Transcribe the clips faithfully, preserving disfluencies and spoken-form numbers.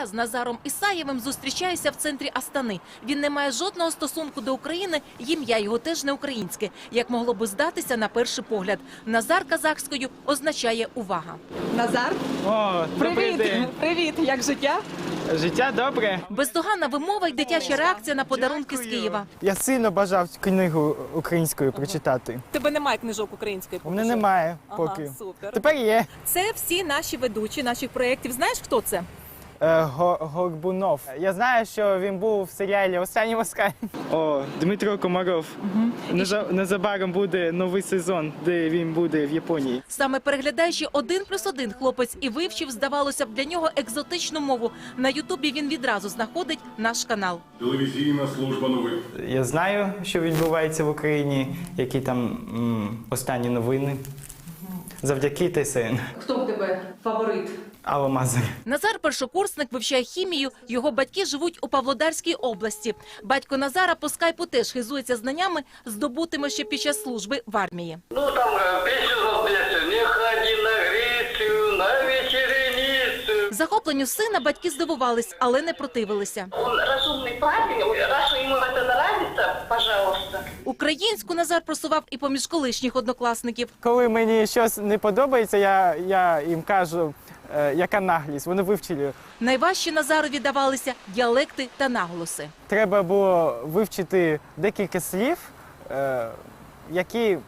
З Назаром Ісаєвим зустрічаюся в центрі Астани. Він не має жодного стосунку до України, ім'я його теж не українське, як могло би здатися на перший погляд. Назар казахською означає «увага». Назар, О, добрий привіт! день. Привіт! Як життя? Життя добре. Бездоганна вимова й дитяча реакція на подарунки з Києва. Я сильно бажав книгу українською прочитати. Тебе немає книжок української У поки мене що? немає Ага, поки. супер. Тепер є. Це всі наші ведучі наших проєктів. Знаєш, хто це? Е, Го- Горбунов. Я знаю, що він був в серіалі «Останній москаль». О, Дмитро Комаров. Неза- Незабаром буде новий сезон, де він буде в Японії. Саме переглядаючи «Один плюс один» хлопець і вивчив, здавалося б, для нього екзотичну мову. На Ютубі він відразу знаходить наш канал. Телевізійна служба новин. Я знаю, що відбувається в Україні, які там м, останні новини. Завдяки Т С Н. Хто в тебе фаворит? Алла Мазер. Назар – першокурсник, вивчає хімію. Його батьки живуть у Павлодарській області. Батько Назара по скайпу теж хизується знаннями, здобутими ще під час служби в армії. Ну там э, песню заплясти, не ходи на Грецию, на вечереницу. Захопленню сина батьки здивувались, але не противилися. Он разумный парень, раз ему это нравится, пожалуйста. Українську Назар просував і поміж колишніх однокласників. Коли мені щось не подобається, я, я їм кажу, е, яка наглість. Вони вивчили. Найважче Назарові давалися діалекти та наголоси. Треба було вивчити декілька слів, е, які е,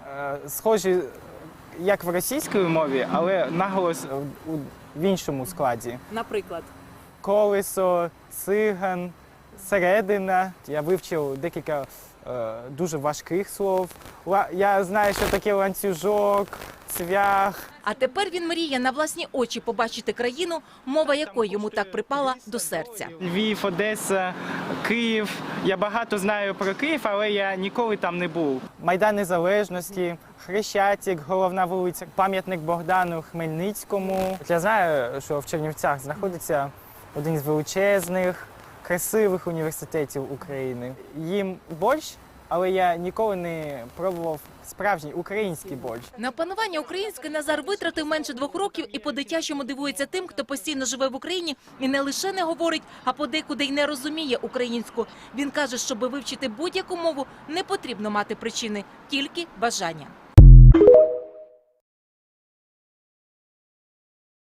схожі як в російській мові, але наголос у, в іншому складі. Наприклад. Колесо, циган, середина. Я вивчив декілька е, дуже важких слов. Ла- Я знаю, що таке ланцюжок, цвях. А тепер він мріє на власні очі побачити країну, мова якої йому так припала до серця. Львів, Одеса, Київ. Я багато знаю про Київ, але я ніколи там не був. Майдан Незалежності, Хрещатик, головна вулиця, пам'ятник Богдану Хмельницькому. Я знаю, що в Чернівцях знаходиться один з величезних, красивих університетів України. Їм борщ, але я ніколи не пробував справжній український борщ. На опанування української Назар витратив менше двох років і по-дитячому дивується тим, хто постійно живе в Україні і не лише не говорить, а подекуди й не розуміє українську. Він каже, щоби вивчити будь-яку мову, не потрібно мати причини, тільки бажання.